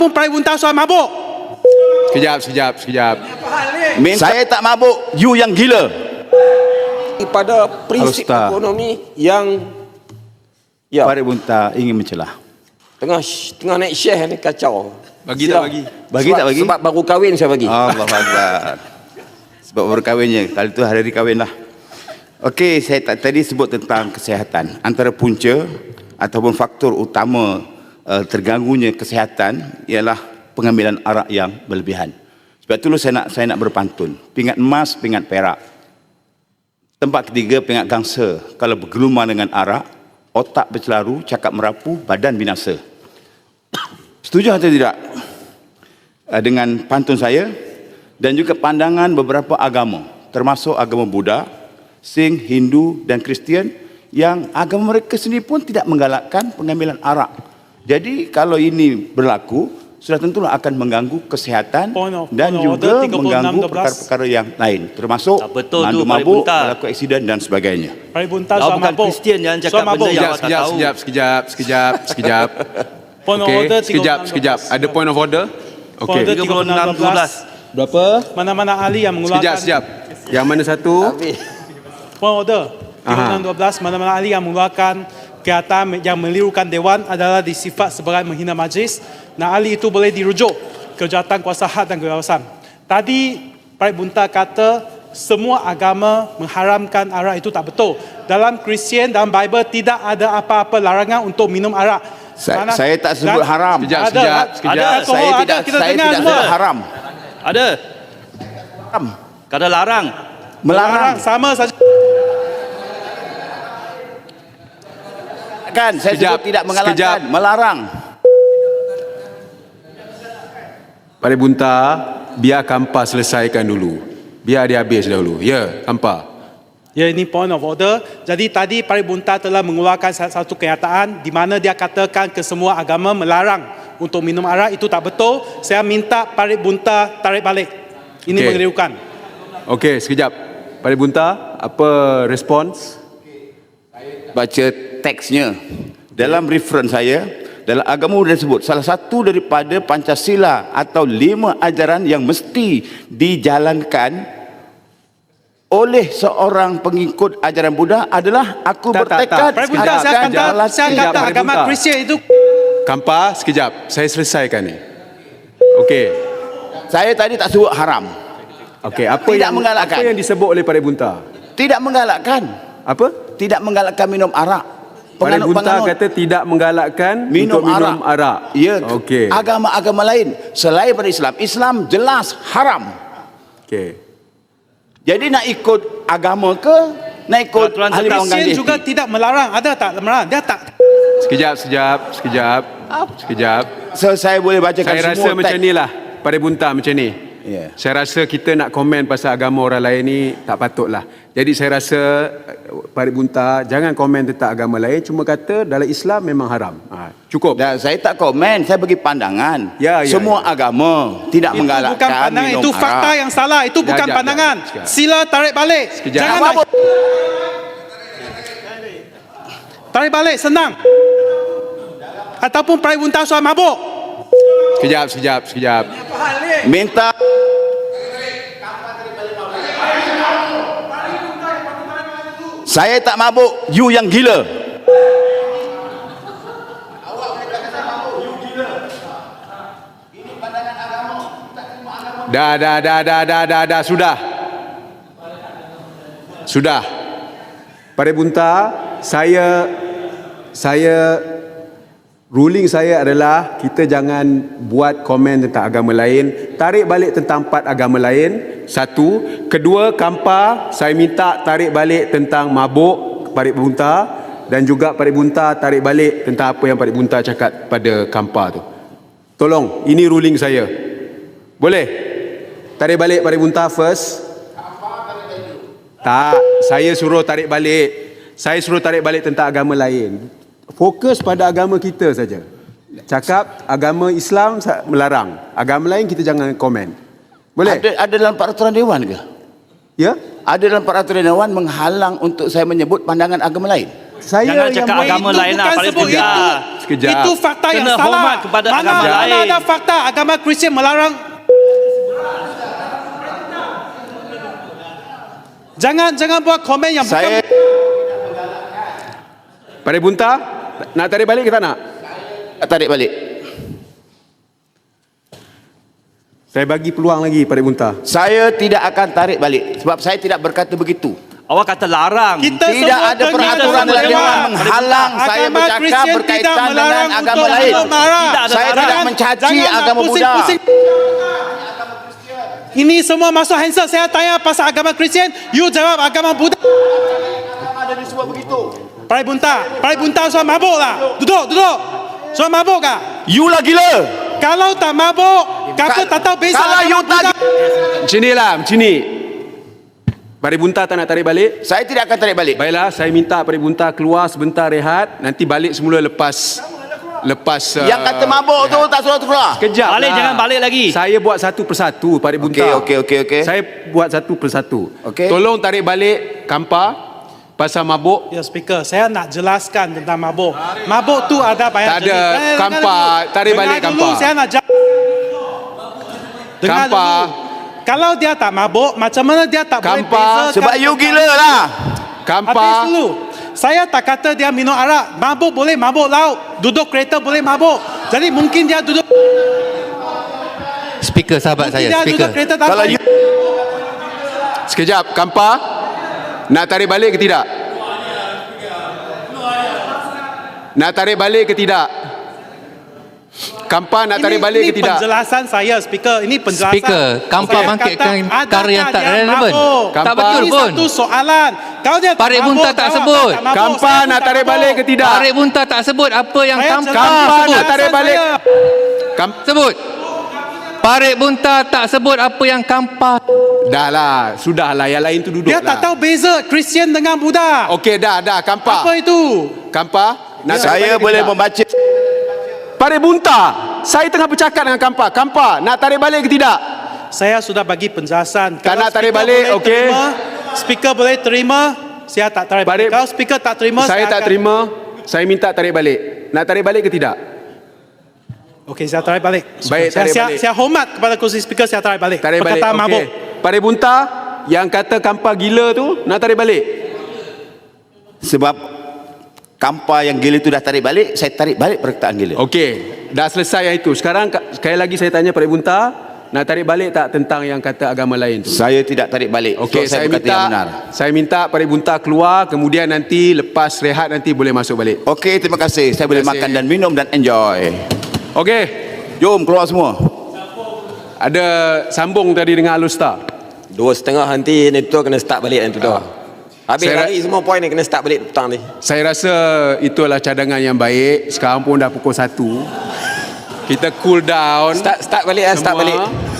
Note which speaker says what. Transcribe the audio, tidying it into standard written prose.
Speaker 1: pun Pari Bunta soal mabuk.
Speaker 2: Sekejap.
Speaker 3: Saya tak mabuk, you yang gila.
Speaker 4: Pada prinsip
Speaker 3: Ustaz.
Speaker 4: ekonomi yang
Speaker 3: Pari Bunta ingin mencelah.
Speaker 4: tengah naik share ni kacau.
Speaker 2: Bagi
Speaker 4: Silau.
Speaker 2: tak bagi?
Speaker 3: Bagi
Speaker 4: Sebab-
Speaker 3: tak bagi?
Speaker 4: Sebab baru kahwin saya bagi.
Speaker 3: Allah Akbar. Sebab baru kahwinnya. Kali tu hari kahwin lah. Okey, saya tadi sebut tentang kesihatan. Antara punca ataupun faktor utama terganggunya kesihatan ialah pengambilan arak yang berlebihan. Sebab itulah saya nak berpantun. Pingat emas, pingat perak. Tempat ketiga, pingat gangsa. Kalau bergelumang dengan arak, otak bercelaru, cakap merapu, badan binasa. Setuju atau tidak dengan pantun saya dan juga pandangan beberapa agama, termasuk agama Buddha, Sikh, Hindu dan Kristian, yang agama mereka sendiri pun tidak menggalakkan pengambilan arak. Jadi kalau ini berlaku, sudah tentulah akan mengganggu kesihatan dan juga mengganggu perkara-perkara yang lain, termasuk
Speaker 5: Tak betul tu,
Speaker 3: mengandung
Speaker 5: Pari
Speaker 3: mabuk,
Speaker 5: Bunta.
Speaker 3: berlaku aksiden dan sebagainya.
Speaker 1: Pari Bunta
Speaker 5: Kau
Speaker 1: soal
Speaker 5: bukan
Speaker 1: mabuk.
Speaker 5: Kristian, jangan cakap
Speaker 1: Soal mabuk.
Speaker 5: benda yang awak tak tahu.
Speaker 2: Sekejap.
Speaker 1: Point of
Speaker 2: Okey,
Speaker 1: order,
Speaker 2: sekejap. Ada point of order?
Speaker 1: Point
Speaker 2: Okey.
Speaker 1: order
Speaker 5: 36-12.
Speaker 2: Berapa?
Speaker 1: Mana-mana ahli yang mengeluarkan
Speaker 2: Sekejap. Yang mana satu?
Speaker 1: point order 36-12, mana-mana ahli yang mengeluarkan kenyataan yang melirukan Dewan adalah disifat sebagai menghina majlis. Nah, ahli itu boleh dirujuk ke jawatan kuasa had dan kebebasan. Tadi Pari Bunta kata semua agama mengharamkan arak, itu tak betul. Dalam Kristian, dalam Bible tidak ada apa-apa larangan untuk minum arak.
Speaker 3: Saya tak sebut haram.
Speaker 2: Sekejap.
Speaker 1: Ada.
Speaker 3: Saya
Speaker 1: Ada,
Speaker 3: tidak
Speaker 1: kita
Speaker 3: saya
Speaker 1: dengar
Speaker 3: tidak
Speaker 1: semua.
Speaker 3: sebut haram.
Speaker 5: Ada.
Speaker 3: Haram.
Speaker 5: Kata larang.
Speaker 3: Melarang.
Speaker 1: Sama saja.
Speaker 3: Kan saya
Speaker 2: Sekejap,
Speaker 3: sebut tidak mengalahkan,
Speaker 2: sekejap.
Speaker 3: melarang.
Speaker 2: Pari Bunta, biar Kampa selesaikan dulu. Biar dia habis dahulu. Ya, Kampa.
Speaker 1: Ya, ini point of order. Jadi tadi Pari Bunta telah mengeluarkan satu kenyataan di mana dia katakan ke semua agama melarang untuk minum arak. Itu tak betul. Saya minta Pari Bunta tarik balik. Ini
Speaker 2: Okey.
Speaker 1: mengeriukan.
Speaker 2: Okey, sekejap. Pari Bunta, apa respons?
Speaker 3: Baca teksnya. Dalam reference saya, dalam agama Buddha disebut salah satu daripada Pancasila atau 5 ajaran yang mesti dijalankan oleh seorang pengikut ajaran Buddha adalah aku
Speaker 2: Tak.
Speaker 3: bertekad
Speaker 1: Pari Bunta, saya
Speaker 3: akan
Speaker 1: kata
Speaker 2: Sekejap, Pari
Speaker 1: agama
Speaker 2: Bunta.
Speaker 1: Kristian itu
Speaker 2: Kampa, sekejap. Saya selesaikan ni. Okey.
Speaker 3: Saya tadi tak sebut haram.
Speaker 2: Okey, apa
Speaker 3: Tidak
Speaker 2: yang
Speaker 3: menggalakkan.
Speaker 2: apa yang disebut oleh Pari Bunta?
Speaker 3: Tidak menggalakkan.
Speaker 2: Apa?
Speaker 3: Tidak menggalakkan minum arak.
Speaker 2: Pari Bunta
Speaker 3: Penganut-penganut
Speaker 2: kata tidak menggalakkan
Speaker 3: minum
Speaker 2: untuk minum arak.
Speaker 3: Ya,
Speaker 2: Okey.
Speaker 3: agama-agama lain selain pada Islam. Islam jelas haram.
Speaker 2: Okey.
Speaker 3: Jadi nak ikut agama ke nak ikut
Speaker 5: Peraturan
Speaker 3: ahli
Speaker 5: tetap.
Speaker 3: pengganti?
Speaker 1: Kristian juga tidak melarang. Ada tak melarang? Dia tak.
Speaker 2: Sekejap.
Speaker 3: So, saya boleh bacakan
Speaker 2: Saya
Speaker 3: semua
Speaker 2: rasa macam
Speaker 3: teks.
Speaker 2: ni lah, Pari Bunta macam ni.
Speaker 3: Ya.
Speaker 2: Saya rasa kita nak komen pasal agama orang lain ni tak patut lah. Jadi saya rasa Pari Bunta jangan komen tentang agama lain, cuma kata dalam Islam memang haram. Cukup.
Speaker 3: Dan saya tak komen, saya bagi pandangan.
Speaker 2: Ya,
Speaker 3: Semua agama tidak
Speaker 1: Itu
Speaker 3: menggalakkan
Speaker 1: bukan pandangan.
Speaker 3: minum
Speaker 1: Itu fakta
Speaker 3: arak.
Speaker 1: yang salah. Itu bukan
Speaker 2: Sekejap,
Speaker 1: pandangan.
Speaker 2: sekejap.
Speaker 1: Sila tarik balik.
Speaker 2: Sekejap.
Speaker 1: Jangan
Speaker 3: Apa?
Speaker 1: tarik balik, senang. Ataupun Pari Bunta soal mabuk.
Speaker 2: Sekejap.
Speaker 3: Minta saya tak mabuk, you yang gila.
Speaker 2: Dah, sudah. Pari Bunta, saya ruling saya adalah kita jangan buat komen tentang agama lain, tarik balik tentang 4 agama lain. Satu, kedua, Kampa saya minta tarik balik tentang mabuk Pari Bunta, dan juga Pari Bunta tarik balik tentang apa yang Pari Bunta cakap pada Kampa tu. Tolong, ini ruling saya. Boleh? Tarik balik Pari Bunta first. Tak, saya suruh tarik balik. Saya suruh tarik balik tentang agama lain. Fokus pada agama kita saja. Cakap agama Islam melarang. Agama lain kita jangan komen. Boleh?
Speaker 3: Ada dalam peraturan dewan ke?
Speaker 2: Ya?
Speaker 3: Ada dalam peraturan dewan menghalang untuk saya menyebut pandangan agama lain?
Speaker 2: Saya
Speaker 5: Jangan
Speaker 2: yang
Speaker 5: cakap agama
Speaker 1: Itu
Speaker 5: lain lah.
Speaker 1: bukan
Speaker 5: Paling
Speaker 1: sebut
Speaker 5: tidak.
Speaker 1: itu.
Speaker 2: Sekejap.
Speaker 1: Itu fakta yang
Speaker 5: Kena
Speaker 1: salah.
Speaker 5: hormat kepada agama
Speaker 1: Mana
Speaker 5: lain.
Speaker 1: ada fakta agama Kristian melarang. Jangan buat komen yang
Speaker 3: Saya
Speaker 2: Pada Bunta, nak tarik balik ke tak nak?
Speaker 3: tarik balik.
Speaker 2: Saya bagi peluang lagi pada Bunta.
Speaker 3: Saya tidak akan tarik balik sebab saya tidak berkata begitu.
Speaker 5: Awak kata larang.
Speaker 1: Kita
Speaker 3: Tidak
Speaker 1: semua
Speaker 3: ada
Speaker 1: dengar
Speaker 3: peraturan
Speaker 1: dalam
Speaker 3: dalam
Speaker 1: dewan.
Speaker 3: dewan menghalang saya
Speaker 1: Agama
Speaker 3: bercakap
Speaker 1: Kristian
Speaker 3: berkaitan
Speaker 1: tidak
Speaker 3: dengan
Speaker 1: melarang
Speaker 3: agama
Speaker 1: untuk
Speaker 3: lain.
Speaker 1: marah.
Speaker 5: Tidak ada
Speaker 3: Saya
Speaker 5: larang.
Speaker 3: tidak mencaci
Speaker 1: Jangan
Speaker 3: agama Buddha.
Speaker 1: pusing-pusing. Ini semua masuk handset. Saya tanya pasal agama Kristian, you jawab agama Buddha.
Speaker 3: Ada disebut begitu.
Speaker 1: Parai bunta soal mabuk lah. Duduk. Soal mabuk kah?
Speaker 3: You lah gila.
Speaker 1: Kalau tak mabuk, kata tak tahu beza
Speaker 3: Kalau you
Speaker 1: agama Buddha.
Speaker 2: Macam ni lah, macam ni. Pada Bunta tak nak tarik balik?
Speaker 3: Saya tidak akan tarik balik.
Speaker 2: Baiklah, saya minta pada Bunta keluar sebentar rehat. Nanti balik semula lepas
Speaker 3: Yang kata mabuk tu tak suruh keluar.
Speaker 2: Kejap
Speaker 5: Balik,
Speaker 2: lah.
Speaker 5: jangan balik lagi.
Speaker 2: Saya buat satu persatu pada Bunta.
Speaker 3: Okey.
Speaker 2: Saya buat satu persatu.
Speaker 3: Okey.
Speaker 2: Tolong tarik balik Kampa pasal mabuk.
Speaker 1: Ya, speaker, saya nak jelaskan tentang mabuk. Mabuk tu ada banyak
Speaker 2: Tak ada.
Speaker 1: jenis.
Speaker 2: Kampa, tarik balik
Speaker 1: Dengar dulu,
Speaker 2: Kampa.
Speaker 1: saya nak Dengar
Speaker 2: Kampa.
Speaker 1: dulu. Kalau dia tak mabuk, macam mana dia tak boleh
Speaker 2: Kampa,
Speaker 1: bezakan
Speaker 3: Sebab you
Speaker 1: tentang-
Speaker 3: gila lah.
Speaker 1: Habis
Speaker 2: Kampa.
Speaker 1: dulu. Saya tak kata dia minum arak. Mabuk boleh mabuk laut. Duduk kereta boleh mabuk. Jadi mungkin dia duduk
Speaker 6: Speaker sahabat
Speaker 1: mungkin
Speaker 6: saya,
Speaker 1: dia
Speaker 6: speaker.
Speaker 1: duduk kereta tak
Speaker 3: Kalau
Speaker 1: tahu.
Speaker 3: you
Speaker 2: Sekejap, Kampa. Nak tarik balik ke tidak? Nak tarik balik ke tidak? Kampa nak tarik balik ke tidak?
Speaker 1: Ini penjelasan saya, speaker. Ini penjelasan.
Speaker 6: Speaker, Kampa
Speaker 1: Saya
Speaker 6: bangkitkan
Speaker 1: kata,
Speaker 6: perkara yang
Speaker 1: adakah
Speaker 6: tak
Speaker 1: dia
Speaker 6: relevan.
Speaker 1: mabuk?
Speaker 6: Tak betul
Speaker 1: Ini
Speaker 6: pun.
Speaker 1: satu soalan. Kalau dia tak
Speaker 6: Parit
Speaker 1: mabuk,
Speaker 6: Bunta tak
Speaker 1: jawab
Speaker 6: sebut.
Speaker 1: tak mabuk.
Speaker 2: Kampa
Speaker 1: Saya pun
Speaker 2: nak
Speaker 1: tak
Speaker 2: tarik
Speaker 1: mabuk.
Speaker 2: balik ke tidak?
Speaker 6: Parit Bunta tak sebut apa yang
Speaker 1: Saya
Speaker 6: Kampa
Speaker 1: jelaskan
Speaker 2: Kampa
Speaker 6: sebut.
Speaker 2: nak tarik balik.
Speaker 1: saya.
Speaker 6: Sebut. Parit Bunta tak sebut apa yang Kampa.
Speaker 2: Dah lah, sudah lah. Yang lain tu duduk
Speaker 1: Dia
Speaker 2: lah.
Speaker 1: tak tahu beza Kristian dengan Buddha.
Speaker 2: Okey, dah. Kampa.
Speaker 1: Apa itu?
Speaker 2: Kampa, nak tarik
Speaker 3: saya
Speaker 2: balik ke
Speaker 3: boleh
Speaker 2: tidak?
Speaker 3: membaca.
Speaker 2: Parit Bunta, saya tengah bercakap dengan Kampa. Kampa, nak tarik balik ke tidak?
Speaker 1: Saya sudah bagi penjelasan.
Speaker 2: Tak
Speaker 1: Kalau
Speaker 2: nak tarik
Speaker 1: speaker
Speaker 2: balik,
Speaker 1: boleh
Speaker 2: okey.
Speaker 1: terima, speaker boleh terima, saya tak tarik balik.
Speaker 2: Parit-
Speaker 1: Kalau speaker tak terima,
Speaker 2: Saya tak
Speaker 1: akan-
Speaker 2: terima. Saya minta tarik balik. Nak tarik balik ke tidak?
Speaker 1: Okey, saya tarik balik.
Speaker 2: Baik, tarik balik.
Speaker 1: Saya hormat kepada kursi speaker, saya tarik balik.
Speaker 2: Tarik balik.
Speaker 1: Perkataan mabuk.
Speaker 2: Parit Bunta, yang kata Kampa gila tu, nak tarik balik.
Speaker 3: Sebab Kampa yang gila itu dah tarik balik, saya tarik balik perkataan gila.
Speaker 2: Okey, dah selesai yang itu. Sekarang sekali lagi saya tanya Parit Bunta, nak tarik balik tak tentang yang kata agama lain tu?
Speaker 3: Saya tidak tarik balik.
Speaker 2: Okey,
Speaker 3: So, saya berkata yang benar.
Speaker 2: saya minta Parit Bunta keluar, kemudian nanti lepas rehat nanti boleh masuk balik.
Speaker 3: Okey, terima kasih. Saya boleh
Speaker 2: Terima kasih.
Speaker 3: makan dan minum dan enjoy.
Speaker 2: Okey,
Speaker 3: Jom keluar semua.
Speaker 2: ada sambung tadi dengan Alustar.
Speaker 4: 2:30 nanti ni tu kena start balik nanti tu. Habis
Speaker 2: Saya
Speaker 4: lagi semua poin ni kena start balik petang ni.
Speaker 2: Saya rasa itu adalah cadangan yang baik. Sekarang pun dah pukul 1. Kita cool down.
Speaker 4: Start balik
Speaker 2: semua.
Speaker 4: balik.